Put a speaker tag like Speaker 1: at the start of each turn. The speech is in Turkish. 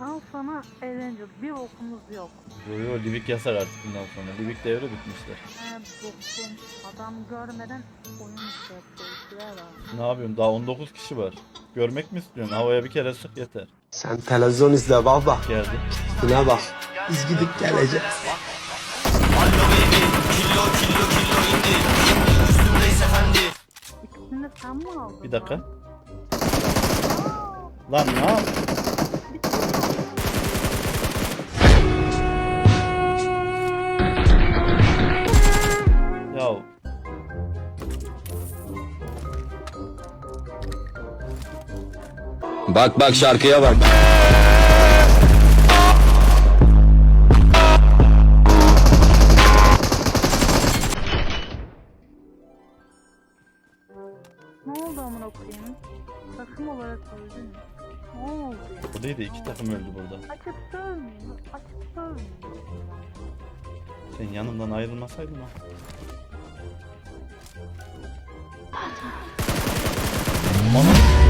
Speaker 1: Al sana eğlence. Bir okumuz yok.
Speaker 2: Yo Livik yasak artık bundan sonra. Livik devri bitmişler.
Speaker 1: Bokum. Adam görmeden oyun işte yapıyor.
Speaker 2: Ne yapıyorsun? Daha 19 kişi var. Görmek mi istiyorsun? Havaya bir kere sık yeter.
Speaker 3: Sen televizyon izle baba.
Speaker 2: Geldi.
Speaker 3: Buna bak. Biz gidip geleceğiz.
Speaker 1: İkisini de sen mi aldın?
Speaker 2: Bir dakika.
Speaker 1: Lan?
Speaker 2: Lan ne yap? Ya
Speaker 3: Bak bak şarkıya bak.
Speaker 1: Ne oldu amına koyayım? Takım olarak öldün mü? Ne oldu ya?
Speaker 2: bu değil de iki takım öldü burada.
Speaker 1: Açıp sövmeyin. Açıp sövmeyin.
Speaker 2: Sen yanımdan ayrılmasaydın ha. Ana.